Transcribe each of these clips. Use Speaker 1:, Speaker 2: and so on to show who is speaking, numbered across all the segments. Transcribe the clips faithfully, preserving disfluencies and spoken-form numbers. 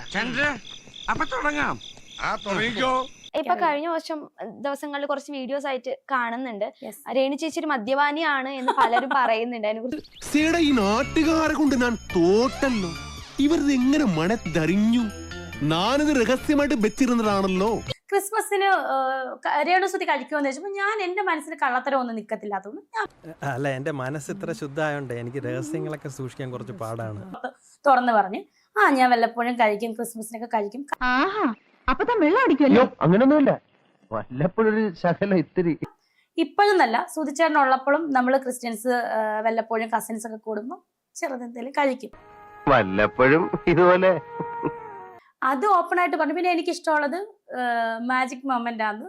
Speaker 1: ചന്ദ്ര അപ്പൊ തുടങ്ങാം. ആ തുടങ്ങിക്കോ.
Speaker 2: ഇപ്പൊ കഴിഞ്ഞ വർഷം ദിവസങ്ങളിൽ കുറച്ച് വീഡിയോസ് ആയിട്ട് കാണുന്നുണ്ട്. രേണു ചേച്ചി ഒരു മദ്യപാനിയാണ് എന്ന് പലരും പറയുന്നുണ്ട്. അതിനെക്കുറിച്ച്
Speaker 3: ഈ നാട്ടുകാരെ കൊണ്ട് ഞാൻ തോട്ടല്ലോ. ഇവരിത് എങ്ങനെ മണത്തറിഞ്ഞു? ഞാനിത് രഹസ്യമായിട്ട് വെച്ചിരുന്നതാണല്ലോ.
Speaker 4: ക്രിസ്മസിന് രേണുസുതി കഴിക്കുമെന്ന് വെച്ചപ്പോ ഞാൻ എന്റെ മനസ്സിൽ കള്ളത്തരം ഒന്നും നിക്കത്തില്ലാത്തതുകൊണ്ട്
Speaker 5: അല്ല, എന്റെ മനസ്സ് ഇത്ര ശുദ്ധമായോണ്ട് എനിക്ക് രഹസ്യങ്ങളൊക്കെ സൂക്ഷിക്കാൻ കുറച്ച് പാടാണ്.
Speaker 4: തുറന്നു പറഞ്ഞു, ആ ഞാൻ വല്ലപ്പോഴും കഴിക്കും, ക്രിസ്മസിനൊക്കെ കഴിക്കും.
Speaker 6: അപ്പൊ താൻ വെള്ളം അടിക്കുമല്ലോ?
Speaker 7: അങ്ങനൊന്നുമില്ല, വല്ലപ്പോഴൊരു ശകലം ഇത്തിരി.
Speaker 4: ഇപ്പോഴൊന്നല്ല, സുധിച്ചേട്ടൻ ഉള്ളപ്പോഴും നമ്മൾ ക്രിസ്ത്യൻസ് വല്ലപ്പോഴും കസിൻസ് ഒക്കെ കൂടുമ്പോൾ ചെറുതെന്തെങ്കിലും കഴിക്കും.
Speaker 7: വല്ലപ്പോഴും ഇതുപോലെ
Speaker 4: അത് ഓപ്പൺ ആയിട്ട് പറഞ്ഞു. പിന്നെ എനിക്ക് ഇഷ്ടമുള്ളത് മാജിക് മൊമെന്റ് ആണ്.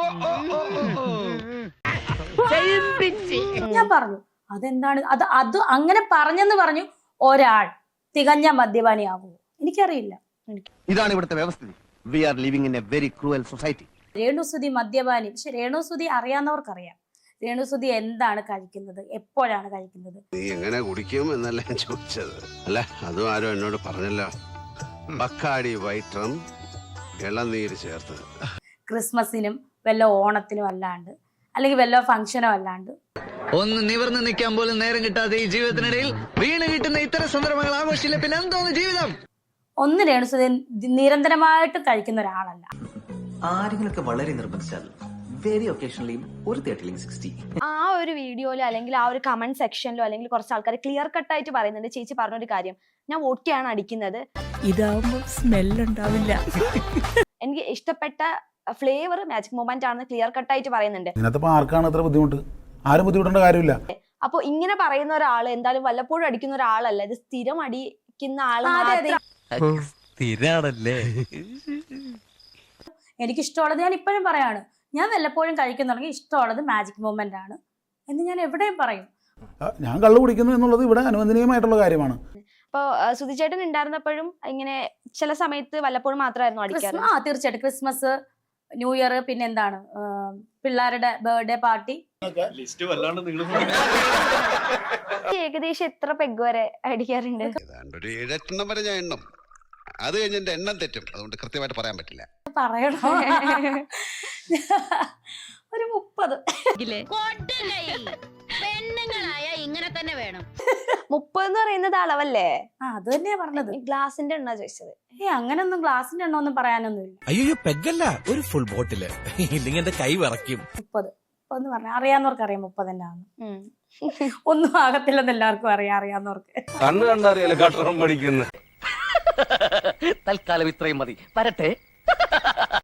Speaker 4: ഞാൻ പറഞ്ഞു അതെന്താണ് അത് അത് അങ്ങനെ പറഞ്ഞെന്ന് പറഞ്ഞു ഒരാൾ തികഞ്ഞ മദ്യപാനിയാകുമോ? എനിക്കറിയില്ല.
Speaker 7: ഇതാണ് ഇവിടുത്തെ വ്യവസ്ഥിതി. We are living in a very cruel society.
Speaker 4: രേണുസുതി മദ്യപാനി. പക്ഷെ രേണുസുതി അറിയാവുന്നവർക്കറിയാം രേണുസുതി എന്താണ് കഴിക്കുന്നത്, എപ്പോഴാണ് കഴിക്കുന്നത്.
Speaker 1: നീ എങ്ങനെ കുടിക്കും എന്നല്ല ഞാൻ ചോദിച്ചത്. അല്ല, അതും ആരും എന്നോട് പറഞ്ഞല്ലോ. ബക്കാടി വൈറ്റം ഇളനീര് ചേർത്തത്.
Speaker 4: ക്രിസ്മസിനും വല്ല ഓണത്തിനും അല്ലാണ്ട് അല്ലെങ്കിൽ വല്ല ഫംഗ്ഷനോ അല്ലാണ്ട്
Speaker 8: ഒന്ന് നിവർന്ന് നിൽക്കാൻ പോലും നേരം കിട്ടാതെ ഈ ജീവിതത്തിനിടയിൽ വീണ് കിട്ടുന്ന ഇത്തരം സന്ദർഭങ്ങൾ ആഘോഷിച്ചില്ല പിന്നെ എന്തോന്ന് ജീവിതം.
Speaker 4: ഒന്ന് രേണുസുതി നിരന്തരമായിട്ട് കഴിക്കുന്ന ഒരാളല്ല.
Speaker 9: ആരെങ്കിലൊക്കെ വളരെ നിർബന്ധിച്ചാൽ വെരി ഒക്കേഷണലി ഒരു തേർട്ടി സിക്സ്റ്റി
Speaker 2: ആ ഒരു വീഡിയോയിലോ അല്ലെങ്കിൽ ആ ഒരു കമന്റ് സെക്ഷനിലോ അല്ലെങ്കിൽ കുറച്ച് ആൾക്കാർ ക്ലിയർ കട്ട് ആയിട്ട് പറയുന്നുണ്ട്. ചേച്ചി പറഞ്ഞൊരു കാര്യം, ഞാൻ വോട്ടിയാണ് അടിക്കുന്നത്,
Speaker 6: ഇതാവുമ്പോ സ്മെല്ലുണ്ടാവില്ല.
Speaker 2: എനിക്ക് ഇഷ്ടപ്പെട്ട ഫ്ലേവർ മാജിക് മൊമെന്റ് ആണെന്ന് ക്ലിയർ കട്ട് ആയിട്ട് പറയുന്നുണ്ട്.
Speaker 10: ഇതിനകത്ത് ആർക്കാണ് അത്ര ബുദ്ധിമുട്ട്? ആരും ബുദ്ധിമുട്ടേണ്ട കാര്യമില്ല.
Speaker 2: അപ്പൊ ഇങ്ങനെ പറയുന്ന ഒരാൾ എന്തായാലും വല്ലപ്പോഴും അടിക്കുന്ന ഒരാളല്ല, ഇത് സ്ഥിരം അടിക്കുന്ന ആളാണല്ലേ.
Speaker 4: എനിക്ക് ഇഷ്ടമുള്ളത് ഞാൻ ഇപ്പോഴും പറയാണ്, ഞാൻ വല്ലപ്പോഴും കഴിക്കുന്നുണ്ടെങ്കിൽ ഇഷ്ടമുള്ളത് മാജിക് മൊമെന്റ് ആണ് എന്ന് ഞാൻ എവിടെയും പറയും.
Speaker 10: ഞാൻ കള്ളു കുടിക്കുന്നു എന്നുള്ളത് ഇവിടെ അനുവദനീയമായിട്ടുള്ള കാര്യമാണ്.
Speaker 2: അപ്പൊ സുധിച്ചേട്ടൻ ഉണ്ടായിരുന്നപ്പോഴും ഇങ്ങനെ ചില സമയത്ത് വല്ലപ്പോഴും മാത്രമായിരുന്നു അടിക്കാറ്.
Speaker 4: ആ തീർച്ചയായിട്ടും ക്രിസ്മസ്, ന്യൂ ഇയർ, പിന്നെ എന്താണ് പിള്ളേരുടെ ബർത്ത്ഡേ പാർട്ടി.
Speaker 2: ഏകദേശം എത്ര പെഗ് വരെ അടിക്കാറുണ്ട്?
Speaker 1: ഒരു ഏഴെട്ടെണ്ണം വരെ ഞാൻ എണ്ണം. അത് കഴിഞ്ഞ് എന്റെ എണ്ണം തെറ്റും, അതുകൊണ്ട് കൃത്യമായിട്ട് പറയാൻ പറ്റില്ല.
Speaker 4: പറയണോ? ഒരു മുപ്പത്.
Speaker 6: ഇങ്ങനെ തന്നെ വേണം.
Speaker 2: മുപ്പത് എന്ന് പറയുന്നത് അളവല്ലേ?
Speaker 4: ആ അത് തന്നെയാ പറഞ്ഞത്.
Speaker 2: ഗ്ലാസിന്റെ എണ്ണ ചോദിച്ചത്.
Speaker 4: ഏ അങ്ങനൊന്നും ഗ്ലാസിന്റെ എണ്ണ ഒന്നും പറയാനൊന്നുമില്ല.
Speaker 5: അയ്യോ, പെഗല്ല, ഒരു ഫുൾ ബോട്ടില്. ഇല്ലെങ്കിൽ എന്റെ കൈ വിറയ്ക്കും.
Speaker 4: മുപ്പത് ഒന്ന് പറഞ്ഞ അറിയാവുന്നവർക്ക് അറിയാം മുപ്പത് തന്നെയാണ്. ഒന്നും ആകത്തില്ലെന്ന് എല്ലാവർക്കും അറിയാം, അറിയാവുന്നവർക്ക്.
Speaker 7: കണ്ണു കണ്ടറിയാലോ കട്ടറും പഠിക്കുന്നു.
Speaker 9: തൽക്കാലം ഇത്രയും മതി. വരട്ടെ.